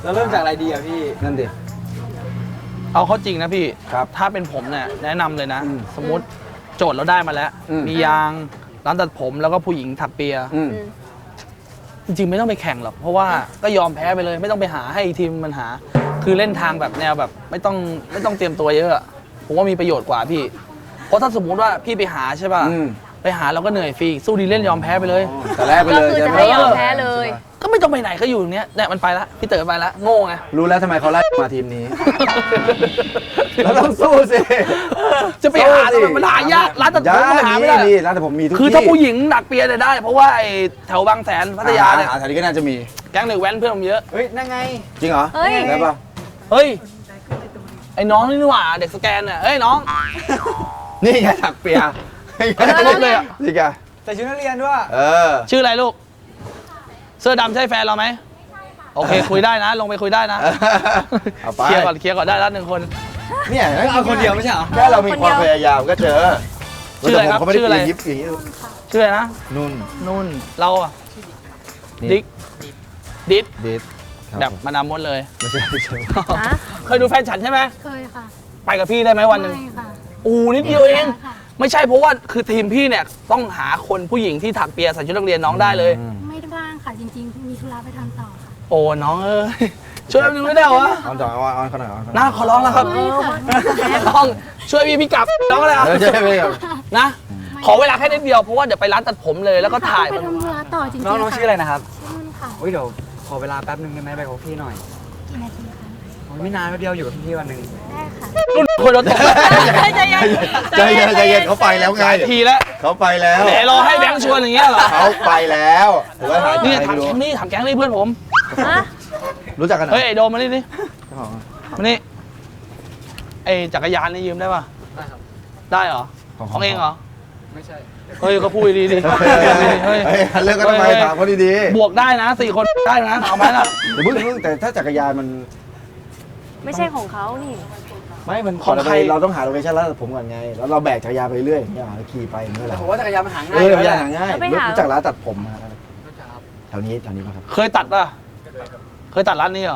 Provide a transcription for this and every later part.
แล้วเริ่มจากอะไรดีอ่ะพี่นั่นดิเอาเข้าจริงนะพี่ครับถ้าเป็นผมเนี่ยแนะนำเลยนะ สมมติโจทย์เราได้มาแล้ว มียางร้านตัดผมแล้วก็ผู้หญิงถักเปียจริงๆไม่ต้องไปแข่งหรอกเพราะว่าก็ยอมแพ้ไปเลยไม่ต้องไปหาให้ทีมมันหา คือเล่นทางแบบแนวแบบไม่ต้องเตรียมตัวเยอะผมว่ามีประโยชน์กว่าพี่ เพราะถ้าสมมุติว่าพี่ไปหาใช่ป่ะไปหาเราก็เหนื่อยฟรีสู้ดีเล่นยอมแพ้ไปเลยแต่แรกไปเลยก็คือจะให้ยอมแพ้เลยก็ไม่ต้องไปไหนก็อยู่เนี้ยเนี่ยมันไปละพี่เต๋อไปละโง่ไงรู้แล้วทำไมเขาไล่มาทีมนี้ เราต้องสู้สิจะไปหาทำไมมันหายากร้านตัดผมมันหาไม่ได้นี่ร้านตัดผมมีทุกที่คือถ้าผู้หญิงหนักเปียเนี่ยได้ เพราะว่าไอ้แถวบางแสนพัทยาเนี่ยแถวนี้ก็น่าจะมีแก๊งเด็กแว้นเพื่อนผมเยอะเฮ้ยนั่งไงจริงเหรอเฮ้ยได้ปะเฮ้ยไอ้น้องนี่หว่าเด็กสแกนเนี่ยเฮ้ยน้องนี่ไงถักเปียลบเลยอ่ะนี่ไงใส่ชุดนักเรียนด้วยชื่ออะไรลูก เสื้อดำใช่แฟนเราไหมโอเคคุยได้นะ ลงไปคุยได้นะเอาไปเคลียร์ก่อนได้แล้วหนึ่งคนเนี่ยเอาคนเดียวไม่ใช่เหรอแค่เรามีความพยายามก็เจอชื่ออะไรครับเขาไม่ได้ชื่ออะไรยิบอย่างนี้ชื่ออะไรนะนุ่นนุ่นเราอ่ะนี่ดิ๊กดิ๊กดิสแบบมานำมดเลยไม่ใช่ไม่ใช่ฮะเคยดูแฟนฉันใช่ไหมเคยค่ะไปกับพี่ได้ไหมวันหนึ่งไม่ค่ะนิดเดียวเองค่ะไม่ใช่เพราะว่าคือทีมพี่เนี่ยต้องหาคนผู้หญิงที่ถักเปียใส่ชุดนักเรียนน้องได้เลยไม่ได้ว่างค่ะ จริงๆ มีธุระไปทำต่อค่ะโอ้น้องเอ้ยช่วยแป๊บนึงไม่ได้เหรอวะออนต่อออนเขาหน่อยออนน้าขอร้องแล้วครับไม่ค่ะน้องช่วยพี่กลับน้องอะไรครับใช่ไหมครับนะ ขอเวลาแค่นิดเดียวเพราะว่าเดี๋ยวไปร้านตัดผมเลยแล้วก็ถ่ายไปมันทำธุระต่อจริงๆน้องชื่ออะไรนะครับชื่อนุ่นค่ะเดี๋ยวขอเวลาแป๊บนึงได้ไหมไปกับพี่หน่อยกี่นาทีคะไม่นานแป๊บเดียวอยู่กับพี่วันหนึ่งได้ค่ะรุ่นคนรถตกใจเย็นใจเย็นใจเย็นเขาไปแล้วไงทีแล้วเขาไปแล้วแหมรอให้แบงค์ชวนอย่างเงี้ยเหรอเขาไปแล้วถือว่าหายใจนี่ไม่ถามรู้แก๊งนี่ถามแก๊งนี่เพื่อนผมฮะรู้จักกันเหรอเฮ้ยไอโดมมานี่ดิมานี่ไอจักรยานนี่ยืมได้ป่ะได้เหรอของเองเหรอไม่ใช่เฮ้ยก็พูดดีดิเฮ้ยเลิกกันทำไมถามเขาดีบวกได้นะ4 คนได้นะเอาไหมล่ะๆเดี๋ยวพึ่งแต่ถ้าจักรยานมันไม่ใช่ของเขานี่ไม่มันของใครเราต้องหาโลเคชั่นแล้วผมก่อนไง แล้วเราแบกจักรยานไปเรื่อยอย่างเงี้ยขี่ไปเมื่อไหร่ผมว่าจักรยานมันหาง่าเอย อจักรยานแหละหาง่ายแล้วไปหารู้จักร้านตัดผมมาแถวนี้ป่ะครับเคยตัดป่ะเคยตัดร้านนี้เหรอ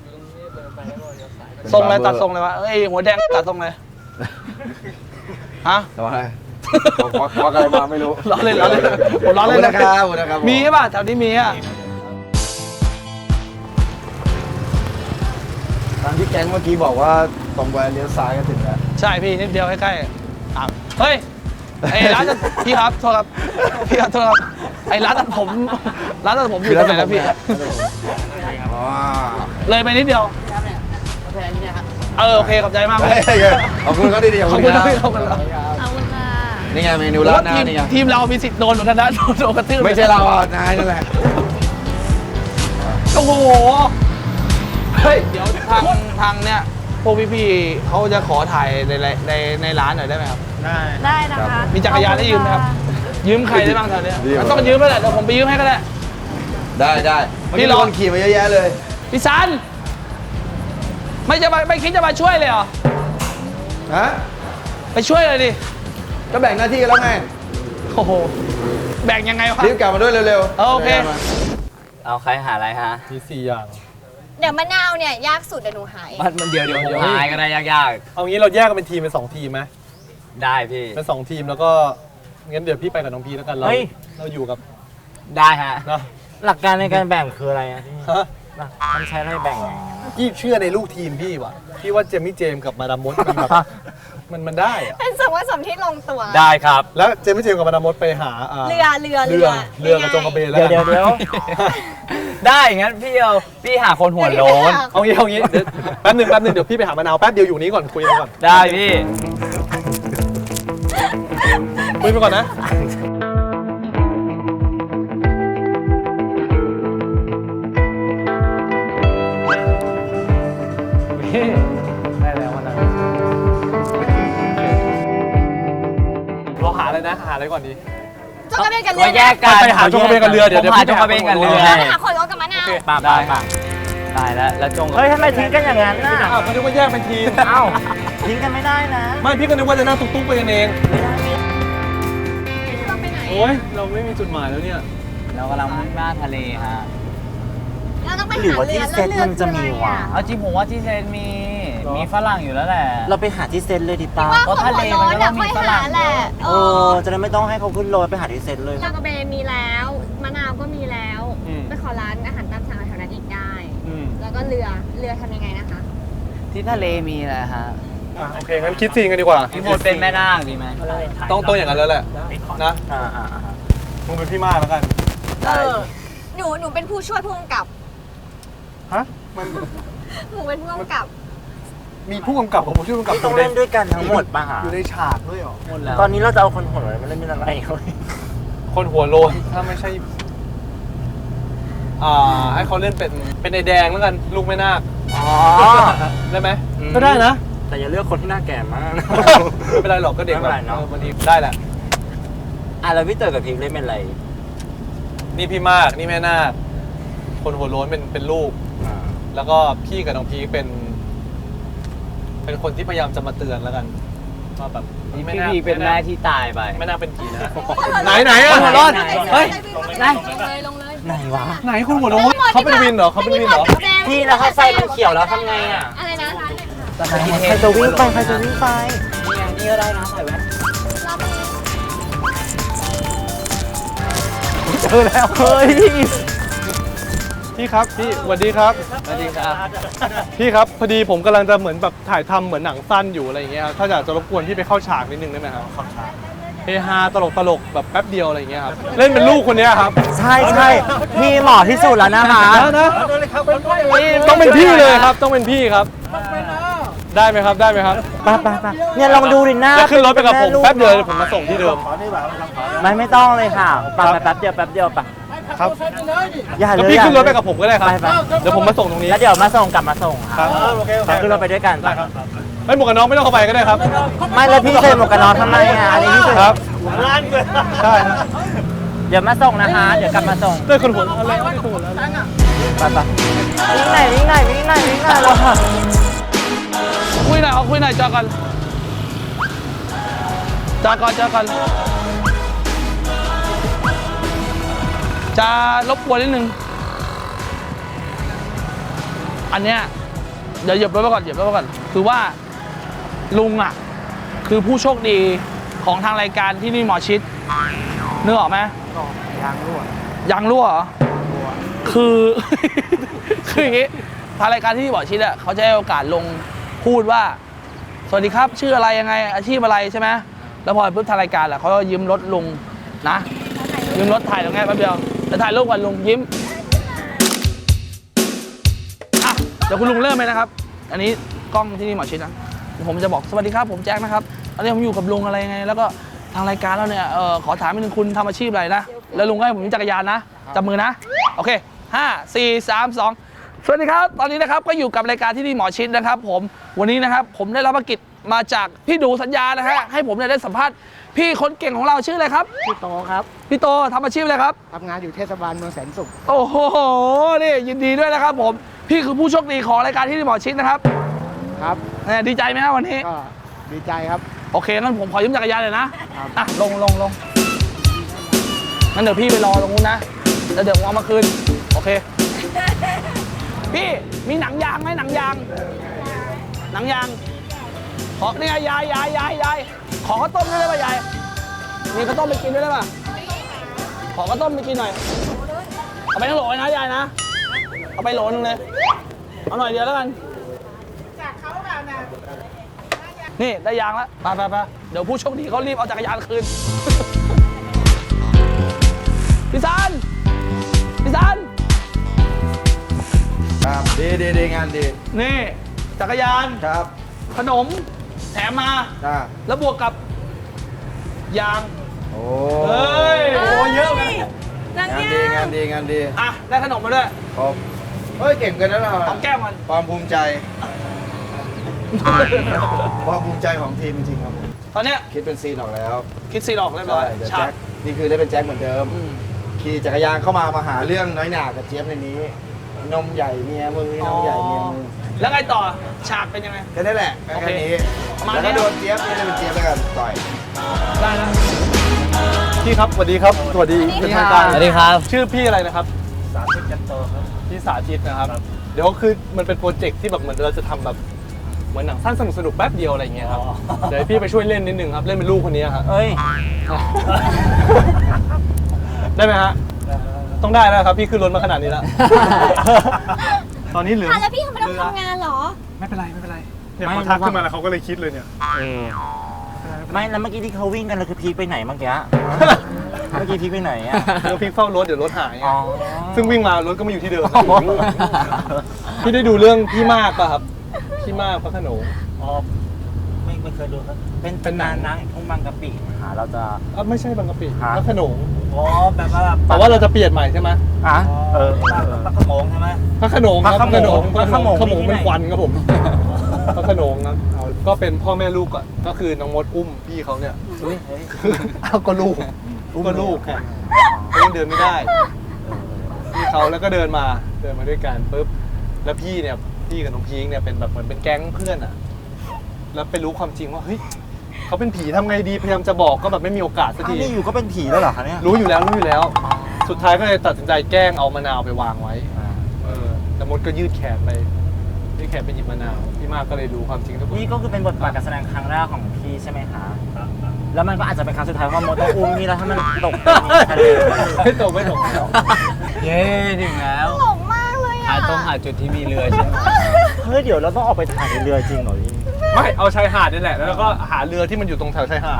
ทรงอะไรตัดทรงเลยวะเอ้ยหัวแดงตัดทรงเลยฮะแต่ว่าอะไรควักอะไรมาไม่รู้ล้อเล่นผมล้อเล่นนะครับขอบคุณนะครับมีป่ะแถวนี้มีอ่ะทางที่แก๊งเมื่อกี้บอกว่าตรงไปเลี้ยวซ้ายก็ถึงแล้วใช่พี่นิดเดียวใกล้ๆอ่ะเฮ้ยไอ้ร้านตัดพี่ครับโทษครับพี่ครับโทษครับไอ้ร้านตัดผมอยู่ตรงไหนนะพี่อ๋อเลยไปนิดเดียวโอเคขอบใจมากเลยขอบคุณเขาดีๆขอบคุณนะพี่ขอบคุณนะเอาค่ะนี่ไงเมนูร้านหน้านี่ไงทีมเรามีสิทธิ์โดนเหมือนกันนะโดนกระทืบไม่ใช่เราอ่ะนายนั่นแหละโอ้โหเฮ้ยเดี๋ยวทางเนี่ยพวกพี่ๆเขาจะขอถ่ายในร้านหน่อยได้ไหมครับได้นะคะมีจักรยานให้ยืมไหมครับ ยืมใครได้บ้างแถวเนี้ยมันต้องยืมไปแหละเดี๋ยวผมไปยืมให้ก็ได้ได้พี่พี่รรออนขี่มาเยอะแยะเลยพี่ซันไม่คิดจะมาช่วยเลยเหรอฮะไปช่วยเลยดิก็แบ่งหน้าที่กันแล้วไงโอ้โหแบ่งยังไงวะรีบกลับมาด้วยเร็วๆโอเคเอาใครหาอะไรฮะมี4 อย่างเดี๋ยวมะนาวเนี่ยยากสุดเดี๋ยวหนูหายมันเดี๋ยวผมหายก็ได้ยากเอางี้เราแยกกันเป็นทีมเป็น2 ทีมไหมๆได้พี่เป็น2 ทีมแล้วก็งั้นเดี๋ยวพี่ไปกับน้องพีแล้วกันเราอยู่กับได้ฮะนะหลักการในการแบ่งคืออะไรอะที่ฮะมันใช้อะไรแบ่งยังไงอะพี่เชื่อในลูกทีมพี่ว่ะพี่ว่าเจมี่เจมส์กับมาดามมดมันแบบมันได้อะเป็นสมว่าสมที่ลงตัวได้ครับแล้วเจมี่เจมส์กับมาดามมดไปหาเรือกับจงกระเบนแล้วเดี๋ยวได้งั้นพี่หาคนหัวโล้นเอางี้เดี๋ยวแป๊บหนึงเดี๋ยวพี่ไปหามะนาวแป๊บเดียวอยู่นี้ก่อนคุยกันก่อนได้พี่คุยไปก่อนนะได้แล้ววันนั้นเราหาอะไรนะหาอะไรก่อนดีจงกระเบนกันเรืเราแยกกันไปหาจงกระเบนกับเรือเดี๋ยวผมหาจงกระเบนกับเรือแล้วไปหาคนรถกับมะนาวป่าได้แล้วจงเฮ้ยทำไมทิ้งกันอย่างนั้นน่ะอ้าวก็นึกว่าแยกเป็นทีมเอ้าทิ้งกันไม่ได้นะไม่พี่ก็นึกว่าจะนั่งตุ๊กๆไปกันเองเราไปไหนโอ้ยเราไม่มีจุดหมายแล้วเนี่ยเรากำลังมุ่งหน้าทะเลฮะเราต้องไปหรือหาว่าเรืที่อเซตมันจะมีวะเอาจริงผมว่าที่เซนมีฝรั่งอยู่แล้วแหละเราไปหาที่เซตเลยดีป่ะว่าเพราะคนทะเลหัวมันโล้นก็ต้องมีค่อยฝรั่หาง แหละเออจะได้ไม่ต้องให้เขาขึ้นโรยไปหาที่เซตเลยจอกระเบนมีแล้วมะนาวก็มีแล้วไปขอร้านอาหารตามสั่งแถวนั้นอีกได้ แล้วก็เรือทำยังไงนะคะที่ทะเลมีแหละฮะโอเคงั้นคิดซีนกันดีกว่าพี่มดเป็นแม่นาคดีไหมต้องอย่างนั้นแล้วแหละนะอ่ามึงเป็นพี่มากแล้วกันหนูเป็นผู้ช่วยผู้กำกับฮะมันหนูเป็นผู้กำกับมีผู้กำกับกับผู้ช่วยผู้กำกับที่ต้องเล่นด้วยกันทั้งหมดป่ะฮะอยู่ในฉากด้วยเหรอหมดแล้วตอนนี้เราจะเอาคนหัวอะไรมาเล่นเป็นอะไรเขาคนหัวโลนถ้าไม่ใช่ให้เขาเล่นเป็นไอแดงแล้วกันลูกแม่นาคอ๋อได้ไหมก็ได้นะแต่อย่าเลือกคนที่หน้าแก่มากนะไม่เป็นไรหรอกก็เด็กไม่เป็นไรเนอะวันนี้ได้แหละอ่ะแล้วพี่เต๋อกับพิมเล่นเป็นอะไรนี่พี่มากนี่แม่นาคคนหัวโล้นเป็นลูก แล้วก็พี่กับน้องพีคเป็นคนที่พยายามจะมาเตือนแล้วกันว่าแบบพี่พีเป็นแม่ที่ตายไปไม่น่าเป็นผีนะ ไหนอะหัวโล้นเฮ้ยลงเลยลงเลยไหนวะไหนคนหัวโล้นเขาเป็นวินเหรอเขาเป็นวินเหรอพี่แล้วเขาไฟมันเขียวแล้วทำไงอ่ะอะไรนะใครจะวิ่งไปใครจะวิ่งไปนี่ก็ได้นะใส่แว่นเจอแล้วเฮ้ยพี่ครับพี่สวัสดีครับสวัสดีครับพี่ครับพอดีผมกำลังจะเหมือนแบบถ่ายทำเหมือนหนังสั้นอยู่อะไรอย่างเงี้ยครับถ้าอยากจะรบกวนพี่ไปเข้าฉากนิดนึงได้ไหมครับเข้าฉากเฮฮาตลกแบบแป๊บเดียวอะไรอย่างเงี้ยครับเล่นเป็นลูกคนเนี้ยครับใช่พี่เหมาะที่สุดแล้วนะคะนะต้องเป็นพี่เลยครับต้องเป็นพี่ครับ ได้ไหมครับได้ไหมครับไปเนี่ยลองดูดิหน้าจะขึ้นรถไปกับผมลูแป๊บเดียวเดี๋ยวผมมาส่งที่เดิมไม่ต้องเลยค่ะไปแป๊บเดียวไปครับอย่าแล้วเลยพี่ขึ้นรถไปกับผมก็ได้ครับไปเดี๋ยวผมมาส่งตรงนี้แล้วเดี๋ยวมาส่งกลับมาส่งครับไปขึ้นรถไปด้วยกันไปไม่หมวกกันน็อกไม่ต้องเข้าไปก็ได้ครับไม่แล้วพี่ใส่หมวกกันน็อกทำไมอ่ะอันนี้พี่ใส่ครับใช่ครับเดี๋ยวมาส่งนะคะเดี๋ยวกลับมาส่งด้วยคนหัวอะไรไม่คนหัวแล้วไปวิ่งไหนเราคุยหน่อยเอาคุยหน่อยจอกันจอก่อนจะรบกวนนิดนึง อันเนี้ยเดี๋ยวเหยียบรถไปก่อนคือว่าลุงอ่ะคือผู้โชคดีของทางรายการที่นี่หมอชิดนึกออกไหมยางรั่วเหรอคือ คืออย่างงี้ทางรายการที่นี่หมอชิดอ่ะเขาจะให้โอกาสลงพูดว่าสวัสดีครับชื่ออะไรยังไงอาชีพอะไรใช่ไหมแล้วพอปุ๊บทางรายการแหละเขาก็ยืมรถลุงนะยืมรถถ่ายตรงนี้แป๊บเดียวจะถ่ายรูปกันลุงยิ้มอ่ะเดี๋ยวคุณลุงเริ่มเลยนะครับ อันนี้กล้องที่นี่หมอชิดนะผมจะบอกสวัสดีครับผมแจ็คนะครับตอนนี้ผมอยู่กับลุงอะไรยังไงแล้วก็ทางรายการเราเนี่ยขอถามนิดนึงคุณทำอาชีพอะไรนะแล้วลุงก็ให้ผมจักรยานนะจับมือนะโอเค5 4 3 2สวัสดีครับตอนนี้นะครับก็อยู่กับรายการที่นี่หมอชิดนะครับผมวันนี้นะครับผมได้รับภารกิจมาจากพี่ดูสัญญานะฮะให้ผมเนี่ยได้สัมภาษณ์พี่คนเก่งของเราชื่ออะไรครับพี่โตครับพี่โตทำอาชีพอะไรครับทำงานอยู่เทศบาลเมืองแสนสุขโอ้โหนี่ยินดีด้วยนะครับผมพี่คือผู้โชคดีของรายการที่นี่หมอชิดนะครับครับเนี่ยดีใจไหมครับวันนี้ก็ดีใจครับโอเคงั้นผมขอยืมจักรยานเลยนะอ่ะลงงั้นเดี๋ยวพี่ไปรอตรงนู้นนะแล้วเดี๋ยวผมเอามาคืนโอเคพี่มีหนังยางไหมหนังยางขอเนี่ยยายขอข้าวต้มด้วยได้ป่ะยายมีข้าวต้มไปกินด้วยได้ป่ะขอข้าวต้มไปกินหน่อยเอาไปทั้งโหลเลยนะยายนะเอาไปโหลนึงเลยเอาหน่อยเดียวแล้วกันนี่ได้ยางแล้วไปเดี๋ยวผู้โชคดีเขารีบเอาจักรยานคืน พี่ซันครับดีงานดีนี่จักรยานครับขนมแถมมาจ้าแล้วบวกกับยางโอ้เฮ้ยโอ้เยอะเลยนางงานเงี้ดียงานดีงานดีอ่ะได้ขนมมาด้วยครบเฮ้ยเก่งกันนะเราหอมแก้มมันความภูมิใจ ความภูมิใจของทีมจริงๆครับผมตอนเนี้ยคิดเป็นซีนออกแล้วคิดซีนออกเรียบร้อยเดี๋ยวฉาแจ็กคนี่คือได้เป็นแจ็คเหมือนเดิมอืมขี่จักรยานเข้ามาหาเรื่องน้อยหนากับเจี๊ยบในนี้ นมใหญ่เมียมึงนี่นมใหญ่เมียมึงแล้วไงต่อฉากเป็นยังไงแค่นั้นแหละโอเคแค่นี้ประมาณแล้วนี้ก็โดนเจี๊ยบนี่เลยเป็นเจี๊ยบแล้วกันต่อยได้แล้วพี่ครับสวัสดีครับสวัสดีเป็นทางการสวัสดีครับชื่อพี่อะไรนะครับสาธิตกันโตครับพี่สาธิตนะครับ เดี๋ยวคือมันเป็นโปรเจกต์ที่แบบเหมือนเราจะทำแบบเหมือนหนังสั้นสนุกๆแป๊บเดียวอะไรอย่างเงี้ยครับเดี๋ยวพี่ไปช่วยเล่นนิดนึงครับเล่นเป็นลูกคนนี้ครับเอ้ยได้ไหมฮะต้องได้แล้วครับพี่ขึ้นรถมาขนาดนี้แล้ว ตอนนี้เหลือแล้วพี่ทำไมต้องทำงานเหรอไม่เป็นไรเนี่ยพอทักขึ้นมาแล้วเขาก็เลยคิดเลยเนี่ยไม่แล้วเมื่อกี้ที่เขาวิ่งกันเราคือพีคไปไหนเมื่อกี้ เมื่อกี้พีคไปไหนอ่ะเดี๋ยวพี่เฝ้ารถเดี๋ยวรถหายไงอ๋อซึ่งวิ่งมารถก็มาอยู่ที่เดิม พี่ได้ดูเรื่องพี่มากป่ะครับพี่มากพระโขนงอ๋อไม่เคยดูครับเป็นนานนะทุ่งบางกะปิหาเราจะไม่ใช่บางกะปิฮะพระโขนงอ๋อแบบว่าแต่ว่าเราจะเปลี่ยนใหม่ใช่ไหมอ่ะปลากระโมงใช่ไหมพระโขนงครับพระโขนงพระโขนงพระโขนงเป็นที่ไหนควันครับผมพระโขนงครับก็เป็นพ่อแม่ลูกก่อนก็คือน้องมดอุ้มพี่เขาเนี่ยเฮ้ยเอาก็ลูกก็ลูกค่ะเขายังเดินไม่ได้พี่เขาแล้วก็เดินมาด้วยกันปุ๊บแล้วพี่เนี่ยพี่กับน้องพีคเนี่ยเป็นแบบเหมือนเป็นแก๊งเพื่อนอ่ะแล้วไปรู้ความจริงว่าเฮ้ยเขาเป็นผีทำไงดีพยายามจะบอกก็แบบไม่มีโอกาสสักอ้าวทีนี่อยู่ก็เป็นผีแล้วเหรอคะเนี่ยรู้อยู่แล้ว สุดท้ายก็เลยตัดสินใจแกล้งเอามะนาวไปวางไว้แล้วมดก็ยืดแขนไปหยิบมะนาวพี่มากก็เลยรู้ความจริงทุกคนนี่ก็คือเป็นบทบาทการแสดงครั้งแรกของพี่ใช่ไหมคะแล้วมันก็อาจจะเป็นครั้งสุดท้ายเพราะมดต้องอุ้มพี่แล้วถ้ามันตกทะเลไม่ตกเย้ถึงแล้วหลงมากเลยหาอ่ะต้องหาจุดที่มีเรือใช่ไหมเฮ้ยเดี๋ยวเราต้องออกไปถ่ายในเรือจริงเหรอพี่ไม่เอาชายหาดนี่แหละแล้วก็หาเรือที่มันอยู่ตรงแถวชายหาด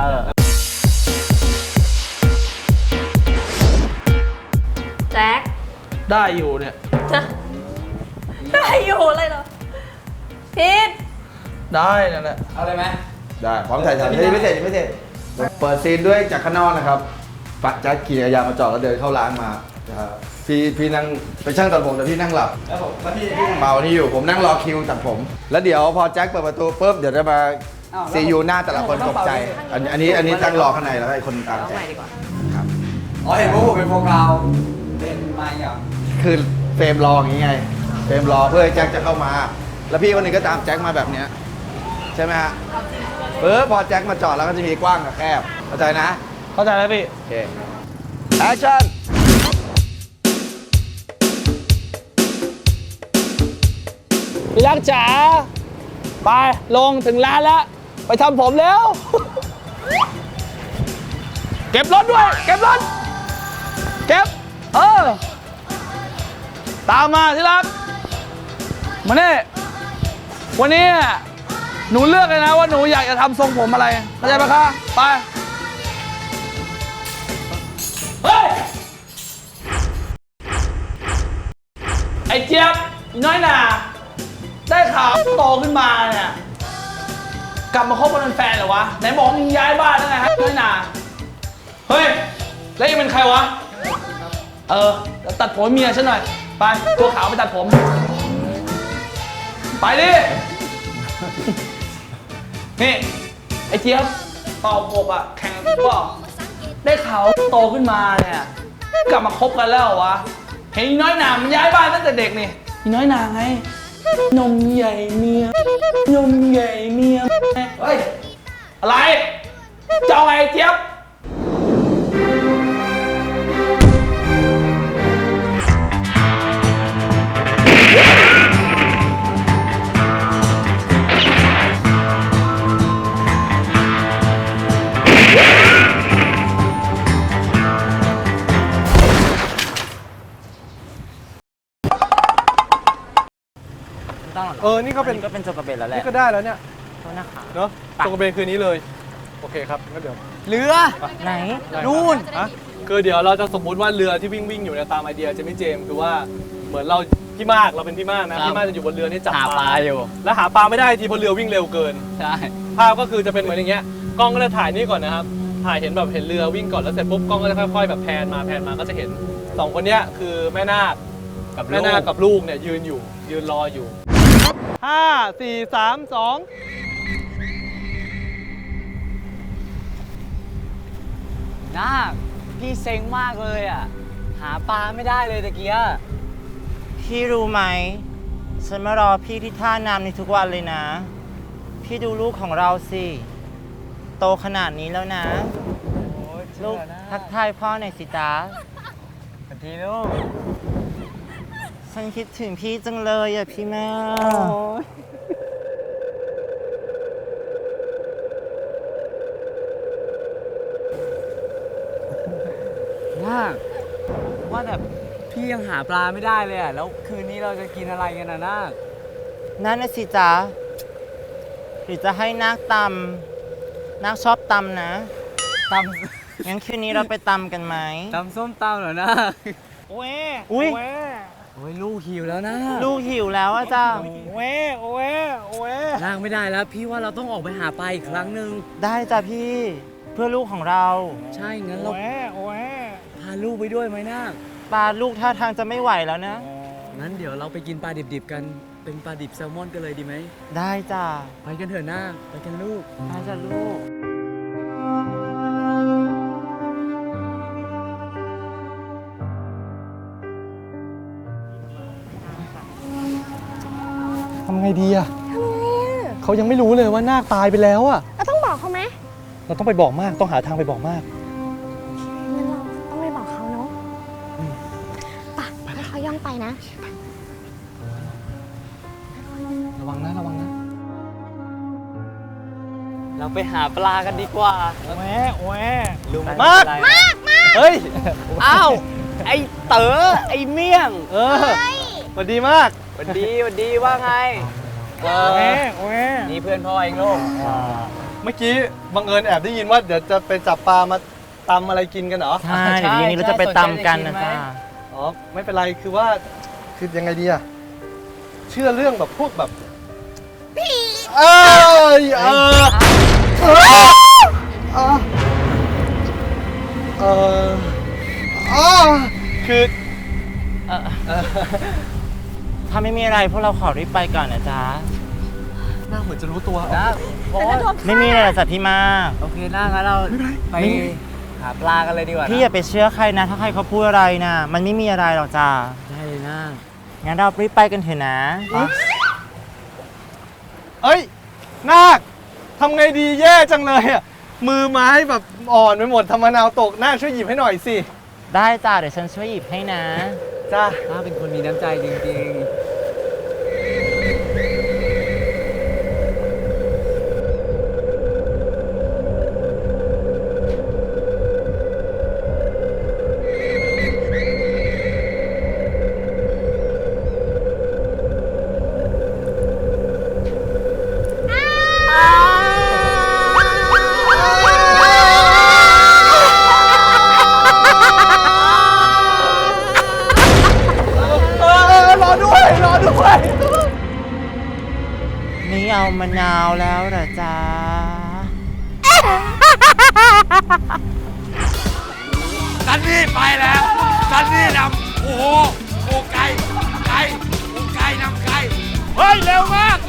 แจ็คได้อยู่เนี่ยได้อยู่เลยเหรอพีทได้นั่นแหละเอาเลยไหมได้พร้อมถ่ายทำยังไม่เสร็จเปิดซีนด้วยจากข้างนอกนะครับปัดแจ็คขี่จักรยานมาจอดแล้วเดินเข้าร้านมาพี่นั่งเป็นช่างตัดผมแต่พี่นั่งหลับแล้วพี่เมานี่อยู่ผมนั่งรอคิวตัดผม แล้วเดี๋ยวพอแจ็คเปิดประตูปุ๊บเดี๋ยวจะมาซียูหน้าแต่ละคนตกใจอันนี้ตั้งรอข้างในแล้วไอ้คนตามแจ็คครับอ๋อเห็นว่าผมเป็นโฟกัสเป็นมาอย่างคือเฟรมรออย่างงี้ไงเฟรมรอเพื่อให้แจ็คจะเข้ามา แล้วพี่คนหนึงก็ตามแจ็คมาแบบเนี้ยใช่ไหมฮะพอแจ็คมาจอดแล้วก็จะมีกว้างกับแคบเข้าใจนะเข้าใจแล้วพี่โอเคแอคชั่นพี่รักจ๋าไปลงถึงร้านแล้ว ไปทำผมแล้ว เก็บรถด้วย เก็บรถ เก็บ ตามมาที่รัก มาเนี่ยวันนี้หนูเลือกเลยนะว่าหนูอยากจะทำทรงผมอะไรเข้าใจไหมคะไป เฮ้ย ไอ้เจี๊ยบอีน้อยหนาได้ข่าวโตขึ้นมาเนี่ยกลับมาคบกันเป็นแฟนเหรอวะไหนบอกมึงย้ายบ้านแล้วไงฮะน้อยหนาเฮ้ยแล้วยังเป็นใครวะแล้วตัดผมให้เมียฉันหน่อยไปตัวขาวไปตัดผมไปดินี่ไอ้เจี๊ยบเป่าผมอะแข่งกันเปล่าได้ข่าวโตขึ้นมาเนี่ยกลับมาคบกันแล้วเหรอวะเห็นอีน้อยหนามันย้ายบ้านตั้งแต่เด็กนี่อีน้อยหนาไงนมใหญ่เมียนมใหญ่เมียเฮ้ยอะไรจะเอาไงเจี๊ยบนี่ก็เป็นก็เป็นโจกระเบนแล้วแหละนี่ก็ได้แล้วเนี่ยโทษนะคะเนาะตรงกระเบนคืนนี้เลย โอเคครับงั้นเดี๋ยวเรือไหนนู่นคือเดี๋ยวเราจะสมมุติว่าเรือที่วิ่งอยู่เนี่ยตามไอเดียเจมี่เจมส์คือว่าเหมือนเราพี่มากเราเป็นพี่มากนะพี่มากจะอยู่บนเรือนี่จับหาปลาอยู่แล้วหาปลาไม่ได้ทีเพราะเรือวิ่งเร็วเกินใช่ภาพก็คือจะเป็นเหมือนอย่างเงี้ยกล้องก็จะถ่ายนี่ก่อนนะครับถ่ายเห็นแบบเห็นเรือวิ่งก่อนแล้วเสร็จปุ๊บกล้องก็จะค่อยๆแบบแพนมาก็จะเห็นสองคนเนี้ยคือแม่นาคกับลูกเนี่ยยืนรออยู่5 4 3 2 นาคพี่เซ็งมากเลยอ่ะ หาปลาไม่ได้เลยตะเกียพี่รู้ไหมฉันมารอพี่ที่ท่าน้ำในทุกวันเลยนะ พี่ดูลูกของเราสิโตขนาดนี้แล้วนะ ลูกทักทายพ่อหน่อยสิจ๊ะสวัสดีลูกฉันคิดถึงพี่จังเลยอ่ะพี่แม่นาคว่าแต่พี่ยังหาปลาไม่ได้เลยอ่ะ แล้วคืนนี้เราจะกินอะไรกันนะนาคนั่นน่ะสิจ๊ะหรือจะให้นาคตำนาคชอบตำนะตงั้นคืนนี้เราไปตำกันไหมำตำส้มตำเหรอนาคอุ้ยโอ้ยลูกหิวแล้วนะลูกหิวแล้วอ่ะจ้านาคไม่ได้แล้ว พี่ว่าเราต้องออกไปหาปลาอีกครั้งหนึ่งได้จ้ะพี่เพื่อลูกของเราใช่ งั้นเราพาลูกไปด้วยไหมนาคปลาลูกท่าทางจะไม่ไหวแล้วนะงั้นเดี๋ยวเราไปกินปลาดิบๆกัน เป็นปลาดิบแซลมอนกันเลยดีไหมได้จ้ะไปกันเถอะนาคไปกันลูกได้จ้ะลูกทำไงดีอะเขายังไม่รู้เลยว่านาคตายไปแล้วอะเราต้องบอกเขาไหมเราต้องไปบอกมาก ต้องหาทางไปบอกมากงั้นเราต้องไปบอกเขาเนาะไปให้เขาย่องไปนะระวังนะ ระวังนะเราไปหาปลากันดีกว่าลุงมากเฮ้ย อ้าว ไอเต๋อ ไอเมี่ยงสวัสดีมากหวัดดีว่าไงนี่เพื่อนพ่อเองลูกเมื่อกี้บังเอิญแอบได้ยินว่าเดี๋ยวจะไปจับปลามาตำอะไรกินกันเหรอใช่เดี๋ยวเย็นนี้เราจะไปตำกันนะจ๊ะอ๋อ ไม่เป็นไร คือว่า คือยังไงดีอะเชื่อเรื่องแบบพวกแบบผีคือถ้าไม่มีอะไรพวกเราขอรีบไปก่อนนะจ๊ะหน้าเหมือนจะรู้ตัวนะโอ๊ยไม่มีอะไรหรอกจ้ะพี่มากโอเคนะงั้นเราไปหาปลากันเลยดีกว่านะพี่อย่าไปเชื่อใครนะ ถ้าใครเขาพูดอะไรนะมันไม่มีอะไรหรอกจ้ะได้เลยนะงั้นเรารีบไปกันเถอะนะเอ้ย นาคทำไงดีแย่จังเลยอะมือไม้แบบอ่อนไปหมดทำมะนาวตก นาคช่วยหยิบให้หน่อยสิได้จ้ะเดี๋ยวฉันช่วยหยิบให้นะจ้าน้าเป็นคนมีน้ำใจจริงรอด้วยนี่เอามะนาวแล้วเหรอจ๊ะซันนี่ไปแล้วซันนี่นำโอ้โหไก่นำไก่เฮ้ย เร็วมาก